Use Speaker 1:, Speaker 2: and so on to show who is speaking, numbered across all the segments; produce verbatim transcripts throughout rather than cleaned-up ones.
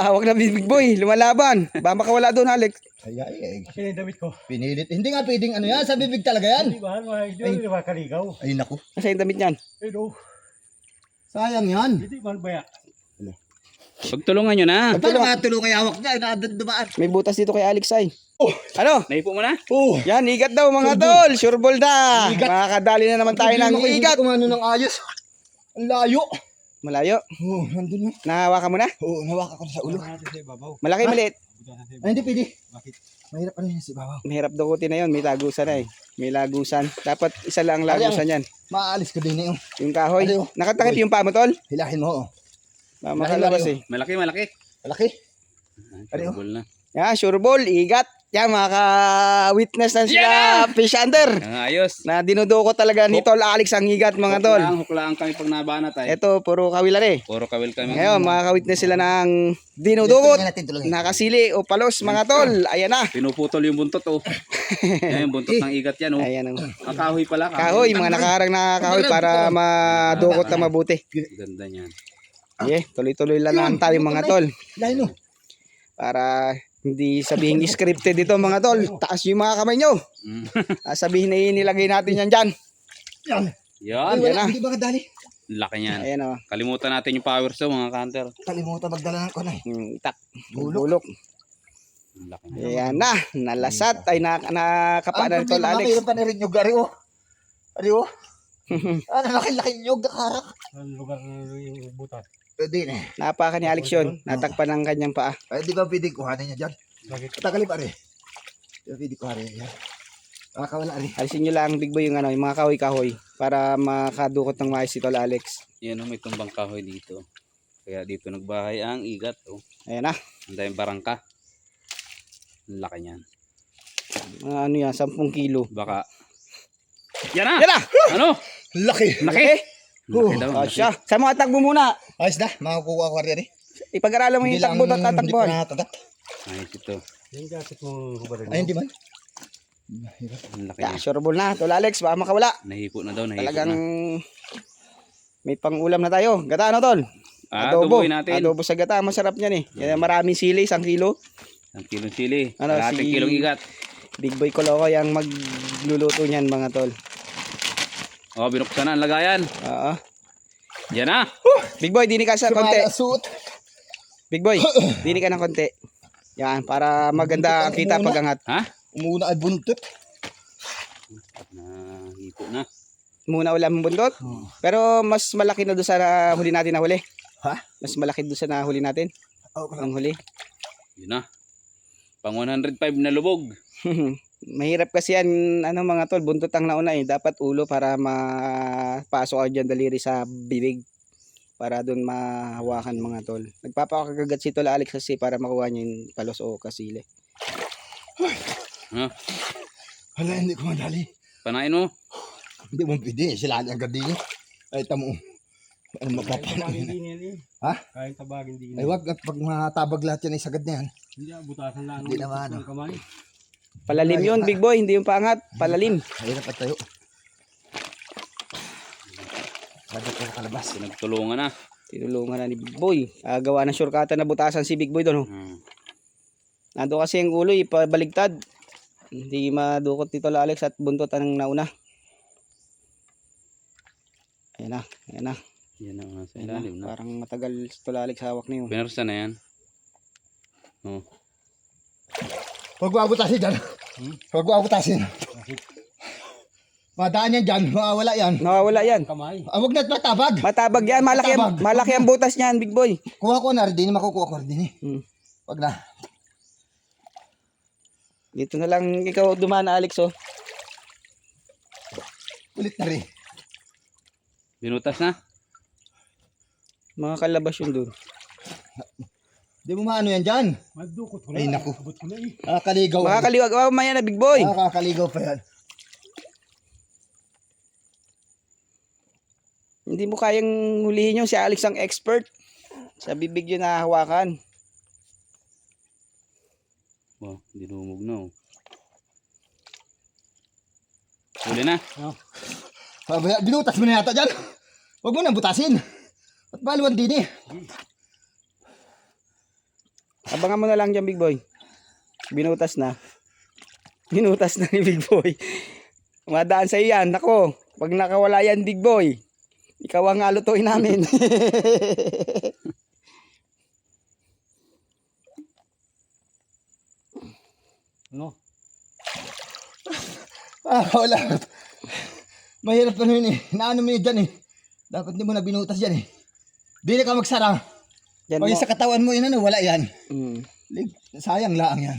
Speaker 1: Hawak na Big Boy, lumalaban. Baka makawala doon, Alex.
Speaker 2: Ay, ay, ay.
Speaker 3: Kasi yung damit ko.
Speaker 2: Pinilit. Hindi nga pwedeng ano yan, sa bibig talaga yan.
Speaker 3: Hindi ba? Hindi ba kaligaw?
Speaker 2: Ay, naku.
Speaker 1: Kasi yung damit niyan.
Speaker 3: Pero,
Speaker 2: Sayang yan.
Speaker 3: hindi man baya.
Speaker 4: Pagtulungan nyo na.
Speaker 2: Paano matulong kay hawak niya? Inaadad dumaan.
Speaker 1: May butas dito kay Alex ay.
Speaker 2: Oh.
Speaker 1: Ano?
Speaker 4: Naipo mo na?
Speaker 2: Oh.
Speaker 1: Yan, igat daw mga tol. Sure ball na.
Speaker 2: Igat.
Speaker 1: Makakadali na naman tayo ng igat.
Speaker 2: Kung ano ng ayos. Ang layo.
Speaker 1: Malayo.
Speaker 2: Oh, nandun na.
Speaker 1: Nahawakan mo na?
Speaker 2: Oo, oh, nawakan ko na sa ulo.
Speaker 1: Malaki, maliit.
Speaker 2: Ay, hindi pwede.
Speaker 3: Bakit?
Speaker 2: Mahirap ano yan si Babaw.
Speaker 1: Mahirap dukutin na yun. May lagusan na eh. May lagusan. Dapat isa lang ang lagusan yan.
Speaker 2: Maaalis ko din eh. Oh.
Speaker 1: Yung kahoy.
Speaker 2: Ano?
Speaker 1: Nakatakip yung paa mo, tol?
Speaker 2: Hilahin mo. Oh.
Speaker 1: Ah, makalabas eh.
Speaker 4: Malaki, malaki.
Speaker 2: Malaki.
Speaker 4: Ano? Ball na.
Speaker 1: Yan, sure ball. Igat. Yan, makaka-witness na sila.
Speaker 4: Yan
Speaker 1: Fish under.
Speaker 4: Ang ayos.
Speaker 1: Na dinudukot talaga ni Tol Alex ang higat mga tol.
Speaker 4: Huklaan, huklaan kami pag nabanat ay.
Speaker 1: Ito, puro kawilan eh.
Speaker 4: Puro kawil kami.
Speaker 1: Ngayon, makaka-witness sila ng dinudukot.
Speaker 2: Tulungan natin, tulungan.
Speaker 1: Nakasili o palos mga tol. Ayan na.
Speaker 4: Pinuputol yung buntot oh. Yan yung buntot ng igat yan oh.
Speaker 1: Ayan ang
Speaker 4: Ang kahoy pala.
Speaker 1: kahoy. Mga nakaharang na kahoy para madukot na mabuti.
Speaker 4: Ganda niyan.
Speaker 1: Okay, tuloy-tuloy lang lang tayo mga tol.
Speaker 2: Hilahin mo.
Speaker 1: Para hindi sabihin scripted dito mga tol. Taas yung mga kamay nyo.
Speaker 4: Mm.
Speaker 1: Ah, sabihin na inilagay natin yan dyan.
Speaker 2: Yan.
Speaker 4: Yan.
Speaker 2: Ay,
Speaker 1: Yan
Speaker 2: wala.
Speaker 1: na.
Speaker 2: Hindi ba kadali?
Speaker 4: Laki niyan.
Speaker 1: Ayan o.
Speaker 4: Kalimutan natin yung power saw mga counter.
Speaker 2: Kalimutan magdala ng kunay.
Speaker 1: Hmm, itak.
Speaker 2: Bulok.
Speaker 1: Bulok.
Speaker 4: Laki niyan.
Speaker 1: Ayan na. Nalasat. Ay na, nakapa na tol Alex.
Speaker 2: Mayroon pa na rin yung gari oh. Ari oh. Ano, laki-laki yung karak.
Speaker 3: Ang lugar ng butas.
Speaker 2: Pwede na.
Speaker 1: Napaka ni Alex yun. Natakpan ng kanyang paa.
Speaker 2: Ay, di ba pwedeng kuhanin niya dyan?
Speaker 3: Bakit?
Speaker 2: Tagalip ari. Di ba pwedeng kuhanin niya dyan? Makakawala ari.
Speaker 1: Alisin nyo lang Big Boy yung ano, yung mga kahoy-kahoy para makadukot ng mais si Tol Alex.
Speaker 4: Yan oh, may tumbang kahoy dito. Kaya dito nagbahay ang igat oh.
Speaker 1: Ayan na.
Speaker 4: Ang daming barangka. Ang laki niyan.
Speaker 1: Mga ano yan, sampung kilo.
Speaker 4: Baka. Yan na!
Speaker 1: Yan na!
Speaker 4: Ano?
Speaker 2: Laki.
Speaker 4: Laki! Laki daw.
Speaker 1: Oh,
Speaker 4: laki.
Speaker 1: siya. Sa mga tagbo muna.
Speaker 2: Ayos na. Makakuha ko ari.
Speaker 1: Ipag-aralan mo yung takbo at
Speaker 2: Hindi pa
Speaker 1: tatakbuhan.
Speaker 2: natatak.
Speaker 4: Ayos ito.
Speaker 3: Yung jacket mo hubarin mo.
Speaker 2: Ay, hindi man.
Speaker 4: Ang laki
Speaker 1: Yeah,
Speaker 4: niya.
Speaker 1: sure ball na. Tol Alex, baka makawala.
Speaker 4: Nahipo na daw. Nahipo
Speaker 1: Talagang
Speaker 4: na.
Speaker 1: may pang-ulam na tayo. Gata ano, Tol?
Speaker 4: Ah,
Speaker 1: Adobo.
Speaker 4: tubuin natin.
Speaker 1: Adobo sa gata. Masarap yan eh. Yan, maraming sili, isang kilo.
Speaker 4: Ang kilong sili.
Speaker 1: Ano,
Speaker 4: Kalahating
Speaker 1: si-
Speaker 4: kilong igat.
Speaker 1: Big Boy Kolokoy ang magluluto niyan mga Tol.
Speaker 4: Oh, binuksan na ang lagayan.
Speaker 1: Oo.
Speaker 4: Yan na.
Speaker 1: Big Boy, dini ka sa konti.
Speaker 2: Suot.
Speaker 1: Big Boy, dini ka ng konti. Yan, para maganda ang kita pag angat.
Speaker 4: Ha?
Speaker 2: Umuna ay buntot.
Speaker 4: Nahipo na.
Speaker 1: Muna ulam ang bundot. Pero mas malaki na doon sa nahuli natin na huli.
Speaker 2: Ha?
Speaker 1: Mas malaki doon sa nahuli natin.
Speaker 2: Okay.
Speaker 1: Ang huli.
Speaker 4: Yun na. Pang one oh five na lubog.
Speaker 1: Mahirap kasi yan, ano mga tol, buntot ang nauna eh. Dapat ulo para mapasok ka dyan daliri sa bibig. Para doon mahawakan mga tol. Nagpapakagagat si Tol Alex kasi para makuha niya yung palos o kasili.
Speaker 4: Ha?
Speaker 2: Hala, hindi ko madali.
Speaker 4: Panain mo.
Speaker 2: Hindi mo pwede. Sila ang gadi niya. Ay, tamo. Ano
Speaker 3: Kahit tabagin
Speaker 2: mapapanain?
Speaker 3: din yan eh.
Speaker 2: Ha?
Speaker 3: Kahit tabagin din
Speaker 2: Ay, wag. At pag matabag lahat yan ay sagad na yan.
Speaker 3: Hindi ah, butasan lang.
Speaker 2: Hindi naman,
Speaker 3: ng kamay.
Speaker 1: Palalim yun, Big Boy, hindi yung pangat. Palalim.
Speaker 2: Mahirap at tayo. Sagad ko kalabas.
Speaker 4: Pinagtulungan na.
Speaker 1: Tinulungan na ni Big Boy. Ah, gawa ng shortcutan na butasan si Big Boy doon. Oh.
Speaker 4: Hmm.
Speaker 1: Nando kasi ang ulo, ipabaligtad. Hindi madukot ni Tol Alex at buntot ang nauna. Ayan na, ayan na.
Speaker 4: Yan na nga sa
Speaker 1: Ayan
Speaker 4: ilalim
Speaker 1: na.
Speaker 4: na.
Speaker 1: Parang matagal si Tol Alex hawak niyo.
Speaker 4: Pinersa na yan. Oh.
Speaker 2: Huwag mo abutasin dyan.
Speaker 4: Hmm?
Speaker 2: Huwag mo abutasin. Madaan yan dyan. Mawawala yan.
Speaker 1: Nawawala yan.
Speaker 3: Kamay.
Speaker 2: Ah, huwag na matabag.
Speaker 1: Matabag yan, malaki, ang-
Speaker 2: Matabag.
Speaker 1: malaki ang butas niyan, Big Boy.
Speaker 2: Kuha ko na rin din. Makukuha ko rin din.
Speaker 1: Hmm.
Speaker 2: Huwag na.
Speaker 1: Dito na lang ikaw dumaan, Alex, oh.
Speaker 2: Ulit na rin.
Speaker 4: Binutas na.
Speaker 1: Mga kalabas yun doon.
Speaker 2: Di mo maano yan dyan.
Speaker 3: Madukot ko na.
Speaker 2: Ay, naku.
Speaker 3: Abot ko na eh.
Speaker 2: Nakakaligaw.
Speaker 1: Makakaliwag, oh, maya na, Big Boy.
Speaker 2: Nakakaligaw pa yan.
Speaker 1: Hindi mo kayang hulihin yung si Alex ang expert. Sa bibig yun na hawakan.
Speaker 4: Wow, dinumog na oh. Huli na.
Speaker 2: Pabaya, binutas mo na yata dyan. Huwag mo na butasin. At baluan din eh.
Speaker 1: Abangan mo na lang dyan, Big Boy. Binutas na. Binutas na ni Big Boy. Madaan sa yan. Nako, pag nakawala yan, Big Boy, ikaw ang alutuin namin.
Speaker 3: No.
Speaker 2: Ah, wala. Mahirap ka nun eh. Naano mo yun dyan eh. Dapat hindi mo na binutas dyan eh. Dili ka magsara.
Speaker 1: Yan
Speaker 2: Pag
Speaker 1: mo.
Speaker 2: yung sa katawan mo yun ano, wala yan.
Speaker 1: Mm.
Speaker 2: Lig- Sayang lang yan.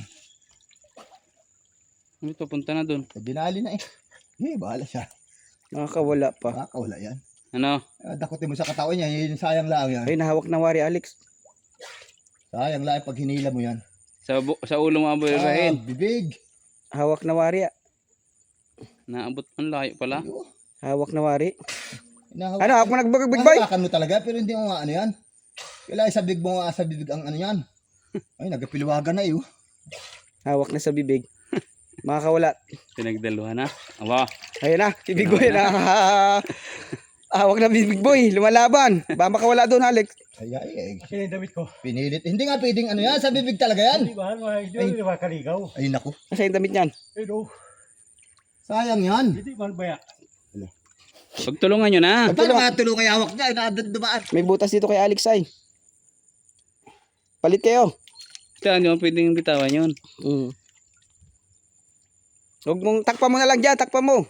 Speaker 4: Ito, punta na dun.
Speaker 2: Binali na eh. Eh, bahala siya.
Speaker 1: Nakakawala pa.
Speaker 2: Baka wala yan.
Speaker 4: Ano?
Speaker 2: Ah, dakutin mo sa katawan niya, yun sayang lang yan.
Speaker 1: Ay, nahawak na wari, Alex.
Speaker 2: Sayang lang pag hinila mo yan.
Speaker 4: Sa, bu- sa ulo mo
Speaker 2: Ah,
Speaker 4: abay-rahin.
Speaker 2: bibig.
Speaker 1: Hawak na wari. ah.
Speaker 4: Naabot ang layo pala.
Speaker 2: Ayun.
Speaker 1: Hawak na wari.
Speaker 2: Inahawak-
Speaker 1: Ano, hawak mo nagbagag, Big Boy?
Speaker 2: Nahawakan mo talaga, pero hindi mo nga ano yan. Kailangan sa bibig mo nga sa bibig ang ano yan. Ay, nagapilwagan na eh. oh.
Speaker 1: Hawak na sa bibig. Makakawala.
Speaker 4: Pinagdaluhan na. Aba.
Speaker 1: Ayun na, si Big Boy na. Hawak na Big Boy, lumalaban. Baka makawala doon, Alex.
Speaker 2: Ay, ay, ay.
Speaker 3: Kasi yung damit ko.
Speaker 2: Pinilit. Hindi nga pwedeng ano yan, sa bibig talaga yan.
Speaker 3: Hindi ba? Hindi ba kaligaw?
Speaker 2: Ay, naku.
Speaker 1: Kasi yung damit niyan.
Speaker 3: Eh no.
Speaker 2: Sayang yan.
Speaker 3: Hindi man baya.
Speaker 4: Pagtulungan nyo na.
Speaker 2: Paano nga tulong kay hawak niya? Nakadundumaan.
Speaker 1: May butas dito kay Alex ay. Palit kayo.
Speaker 4: Saan nyo pwedeng bitawan yun?
Speaker 1: Mm. Huwag mong takpa mo na lang dyan, takpa mo.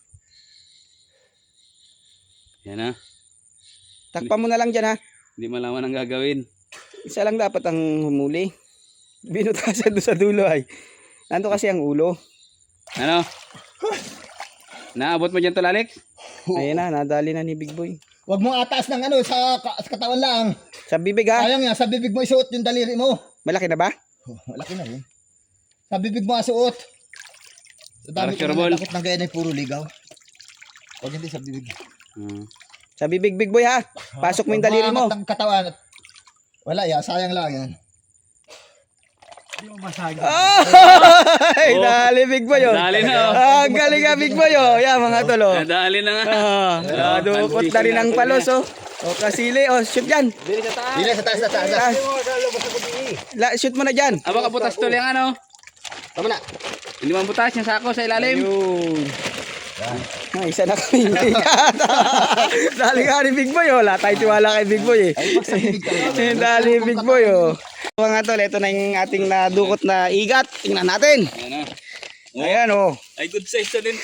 Speaker 4: Yan na.
Speaker 1: Takpa mo na lang dyan ha.
Speaker 4: Hindi malaman ang gagawin.
Speaker 1: Isa lang dapat ang humuli. Binutasan doon sa dulo ay. Nando kasi ang ulo.
Speaker 4: Ano? Naabot mo dyan to, Alex?
Speaker 1: Ayun na, nadali na ni Big Boy.
Speaker 2: Huwag mo ataas ng ano, sa, ka- sa katawan lang.
Speaker 1: Sa bibig ha.
Speaker 2: Sayang yan, sa bibig mo isuot yung daliri mo.
Speaker 1: Malaki na ba?
Speaker 2: Oh, malaki na yun. Sa bibig mo asuot. Sa dami ko
Speaker 4: Para
Speaker 2: na
Speaker 4: sureball.
Speaker 2: nakot ng ganyan ay puro ligaw. Huwag hindi sa bibig.
Speaker 4: Hmm.
Speaker 1: Sa bibig, Big Boy ha. Pasok mo yung daliri mo.
Speaker 2: Huwag mo angat ng katawan. Wala yan, sayang lang yan.
Speaker 3: Hindi mo masagi.
Speaker 1: Ay, dali Big Boy oh.
Speaker 4: Dali na, oh.
Speaker 1: Ah, ang galing nga Big Boy oh. Yan mga tolo.
Speaker 4: Nadali na nga.
Speaker 1: Ah, dukot na rin ang palos oh. O kasili oh, shoot yan.
Speaker 2: Dili sa taas, sa taas.
Speaker 1: Ah, la, shoot mo na dyan.
Speaker 4: Aba ka butas tol yung ano.
Speaker 2: Tama na.
Speaker 4: Hindi man butas yung sako sa ilalim.
Speaker 1: Ayun. Ah, isa na kami. Dali ka ni Big Boy oh. Wala tayong tiwala kay Big Boy eh.
Speaker 2: Huwag sa bibig talaga.
Speaker 1: Dali Big Boy oh. Mga tol, ito na yung ating nadukot na igat. Tingnan natin.
Speaker 4: Ayan na.
Speaker 1: Ayan oh.
Speaker 4: Ay, good size na din to.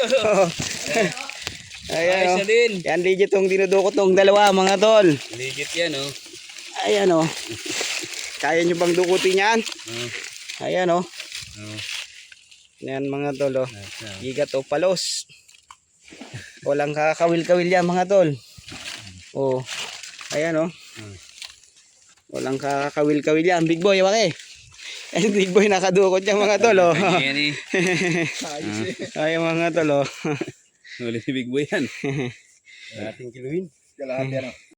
Speaker 1: Ayan
Speaker 4: Ayos
Speaker 1: oh.
Speaker 4: na din.
Speaker 1: Yan legit tong dinudukot tong dalawa mga tol.
Speaker 4: Legit yan, oh.
Speaker 1: Ayan oh. Kaya nyo bang dukutin yan?
Speaker 4: Oh.
Speaker 1: Ayan oh.
Speaker 4: Oh.
Speaker 1: Yan mga tol oh.
Speaker 4: Nasa.
Speaker 1: Igat o palos. Walang kakawil-kawil yan mga tol. Oh. Ayan oh. Walang kakawil-kawil yan. Big Boy, wake. Ayan, Big Boy nakadukot yan mga tol oh.
Speaker 4: Yan eh.
Speaker 1: Ayan mga tol oh.
Speaker 4: Huli si Big Boy yan.
Speaker 3: Ating kiluhin.
Speaker 2: Kalahati ano.